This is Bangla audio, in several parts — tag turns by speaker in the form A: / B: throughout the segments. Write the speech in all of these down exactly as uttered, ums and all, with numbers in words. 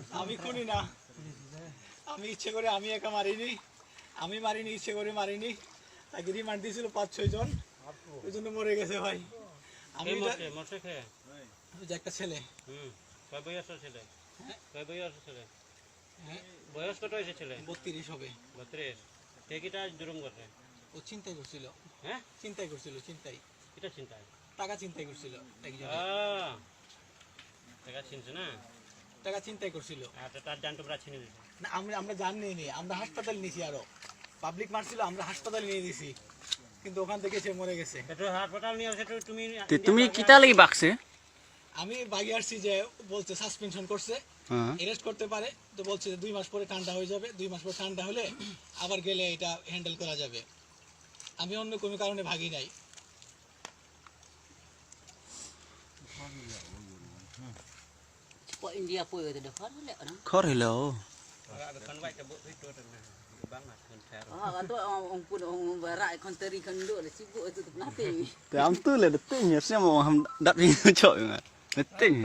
A: আমি খুনি না, আমি ইচ্ছে করে আমি একা মারিনি, আমি মারিনি, ইচ্ছে করে মারিনি। তাকে রিমান্ড দিয়েছিল পাঁচ ছয় জন, ওই জন্য মরে গেছে ভাই। আমি যে একটা ছেলে
B: বয়স কত হয়েছে ছেলে?
A: বত্রিশ হবে।
B: বত্রিশ। টেকিটা জুলুম করছে।
A: ও চিন্তাই করছিল।
B: হ্যাঁ,
A: চিন্তাই করছিল, চিন্তাই।
B: এটা চিন্তায়
A: টাকা চিন্তাই করছিল একজন।
B: টাকা চিনছে না?
A: টাকা চিন্তাই করছিল।
B: আচ্ছা, তার জান তোমরা ছিনে দিছো?
A: না, আমরা আমরা জান নিয়ে নি, আমরা হাসপাতাল নিয়েছি। আরো পাবলিক মারছিল, আমরা হাসপাতালে নিয়ে দিছি, কিন্তু ওখান থেকে সে মরে গেছে।
B: এটা হাসপাতাল নিয়ে আসে তুমি?
C: তুমি কিতা লাগি বাকছে?
A: আমি বাগি আসছি যে বলছে সাসপেনশন করছে, অ্যারেস্ট করতে পারে, তো বলছে যে দুই মাস পরে ঠান্ডা হয়ে যাবে, দুই মাস পরে ঠান্ডা হলে আবার গেলে এটা হ্যান্ডেল করা যাবে। আমি অন্য কোনো কারণে ভাগি নাই।
D: India pun ada khor le orang.
C: Khor hello.
D: Ah, kata orang pun orang barat kon teri kon duk le sibuk tu tu nanti.
C: Te am tu le detik nya sia mau ham dat ni chok nga. Detik.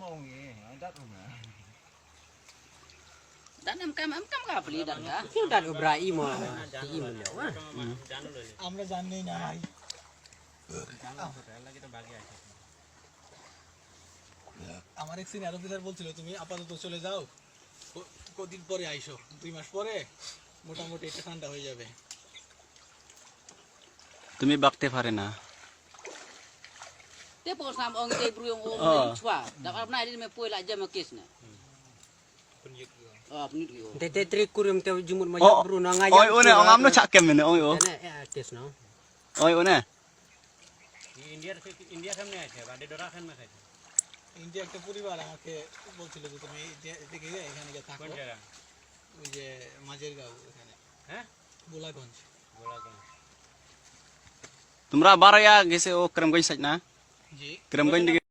D: Dan am kam am kam ka beli dan ka.
E: Kau dah Ibrahim ah. Ibrahim le.
A: আমরা জানি না ভাই। আমার এক সিনিয়র অফিসার বলছিল তুমি আপাতত চলে যাও, কদিন পরে আইসো, দুই মাস পরে মোটামুটি এটা ঠান্ডা হয়ে যাবে।
C: তুমি বাকতে পারে না।
D: Te pun sam orang te bru orang orang chua. Dak am nai me poi la jam kes na. Ah, penit yo.
E: Te trik kurim te jumur majak bru na ngajak.
C: Oi one ong amno chak kem ne oi o.
E: Na tes no.
C: Oi one.
B: di India India সামনে আছে বাড়ি ডরা খান না খাইছে।
A: ইন্ডিয়া একটা পরিবার আমাকে বলছিল যে তুমি এদিকে এখানে গিয়ে থাকো।
B: কোন জায়গা?
A: ওই যে মাঝের গাঁও এখানে।
B: হ্যাঁ,
A: গোলাগঞ্জ।
B: গোলাগঞ্জ।
C: তোমরা বারয়া গেছে ও ক্রমগঞ্জ সাইড না?
A: জি।
C: ক্রমগঞ্জ